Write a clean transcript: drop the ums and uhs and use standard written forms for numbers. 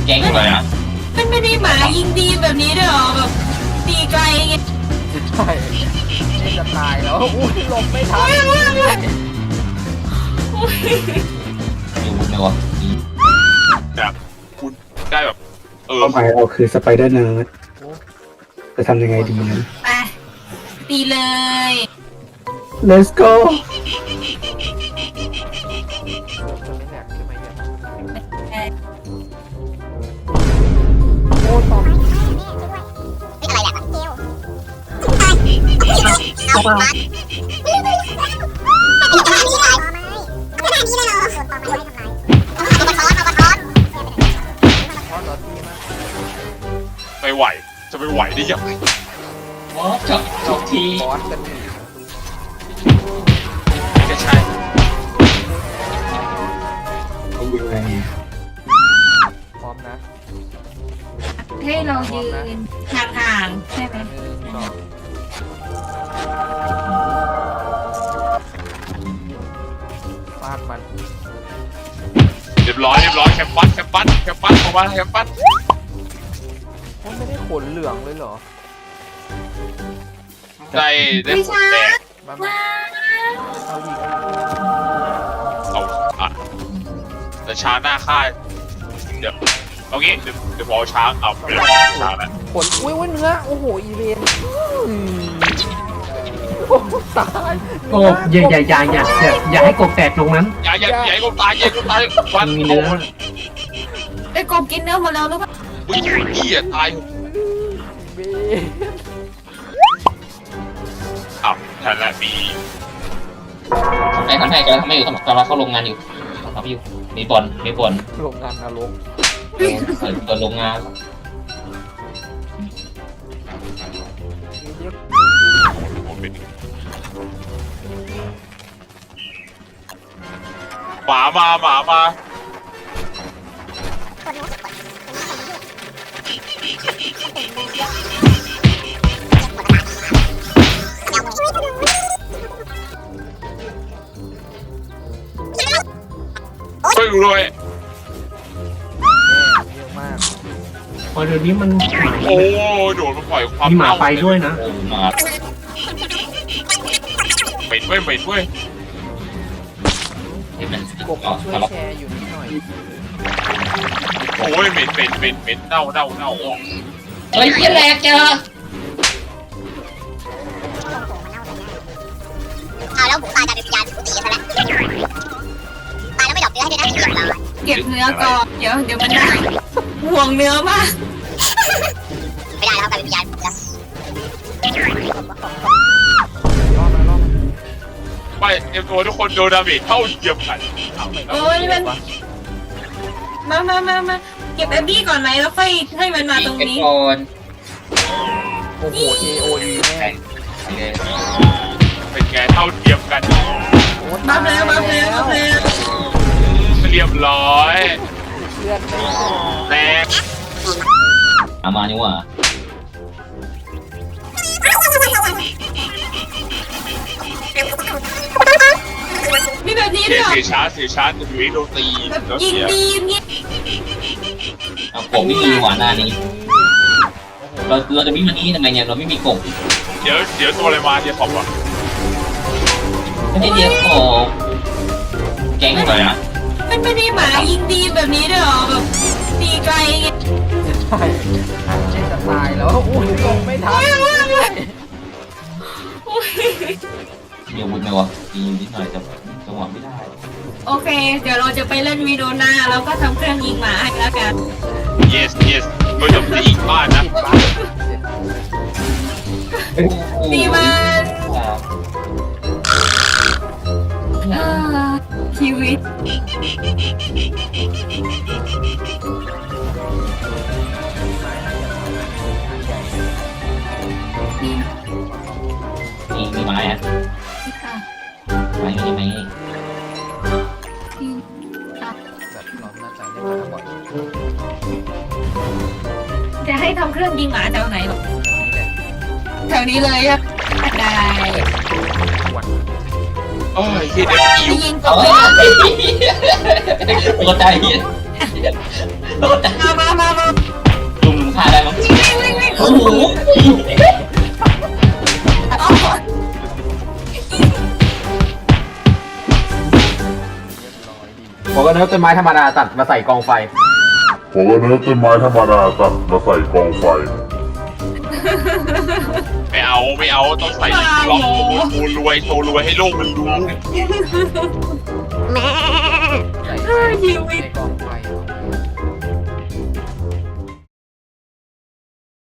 แก๊งอะไรอ่ะมันไม่ได้หมายิงดีแบบนี้ด้วยหรอแบบตีไกลไงใช่ไม่จะตายแล้วอุ้ยหลบไม่ทันอยู่ในวะแบบคุณได้แบบเป้าหมายเราคือสไปเดอร์เนิร์ดจะทำยังไงดีนะไปตีเลย Let's go โอ้ตอบไม่ไหวจะไม่ไหวได้ยังไงบอสจบทีบอสกันนี่ก็ใช่เขายิงไงพร้อมนะให้เรายืนห่างๆใช่ไหมฟาดมันเรียบร้อยแคปปัสออกมาแคปปัสมันไม่ได้ขนเหลืองเลยเหรอได้ผลแดงมาเอาอีกเอาอ่ะแต่ช้างหน้าค่ายเดี๋ยวเอางี้เดี๋ยวพอช้างเอาช้างนะขนอุ้ยเนื้อโอ้โหอีเวนโอ้ตายโอ้อย่าให้กบแตกตรงนั้นอย่าให้กูตายวันมีเนื้อไอ้กบกินเนื้อหมดแล้วหรือเปล่าวิ่งพี่อ่ะตายอ้าวทันละมีทำให้กำลังเข้าโรงงานอยู่ทำอยู่มีบอลโรงงานนรกเปิดโรงงานหมาช่วยดูด้วยเยอะมากพอเดี๋ยวนี้มันโอ้โดนมาปล่อยความมีหมาไปด้วยนะมาเหม็นเว้ยกบช่วยแชร์อยู่นิดหน่อยโอ้ยเหม็นเน่าเฮ้ยยี่แรกจ้ะเอาแล้วหมูตายจะเป็นยาถูกตีซะแล้วตายแล้วไม่ดอกเนื้อให้ด้วยนะเรียบร้อยเก็บเนื้อก่อนเดี๋ยวมันได้ห่วงเนื้อมากไม่ได้แล้วกลายเป็นยาถูกแล้วไม่เอ็มโอทุกคนโดนดาเมจเท่าเทียมกันโอ้ยมันมาเก็บแอบบี้ก่อนไหมแล้วค่อยให้มันมาตรงนี้โอ้โห AOE แม่เป็นไงเท่าเทียมกันบัฟแล้วเรียบร้อยเลือดไม่แรงมานี่ว่ะมีแบบนี้ด้วยเสียชาร์จจะอยู่ที่โดนตีแบบยิงดีเนี่ยกบไม่มีหวานนานี้เราจะวิ่งมานี่ทำไมเนี่ยเราไม่มีกบเดี๋ยวตัวอะไรมาเดี๋ยวขอบว่ะไม่ใช่เดี๋ยวกบแก๊งอะไรอ่ะมันไม่ได้หมายิงดีแบบนี้ด้วยหรอแบบตีไกลไงใช่ไม่จะตายแล้วอุ้ยลงไม่ทันเดี๋ยววุ้นไหมวะยิงนิดหน่อยแต่จังหวะไม่ได้โอเคเดี๋ยวเราจะไปเล่นวีโดนาแล้วก็ทำเครื่องยิงหมาให้แล้วกัน yes โดยจะไปอีกบ้านนะตีมันชีวิตมีไม้อะไม้มีไหมแบบเราน่าจะเล่นมาบ่อยจะให้ทำเครื่องยิงหมาแถวไหนหรอแถวนี้เลยครับได้โอ้ยที่เด็กอิวยิงกบตัวใจเหี้ยตัวใจมาบอกว่าเนื้อต้นไม้ธรรมดาตัดมาใส่กองไฟผมก็เนื้อต้นไม้ธรรมดาตัดมาใส่กองไฟไม่เอาต้องใส่ล็อกโชว์รวยให้โลกมันรู้ใส่ไฟในกองไฟ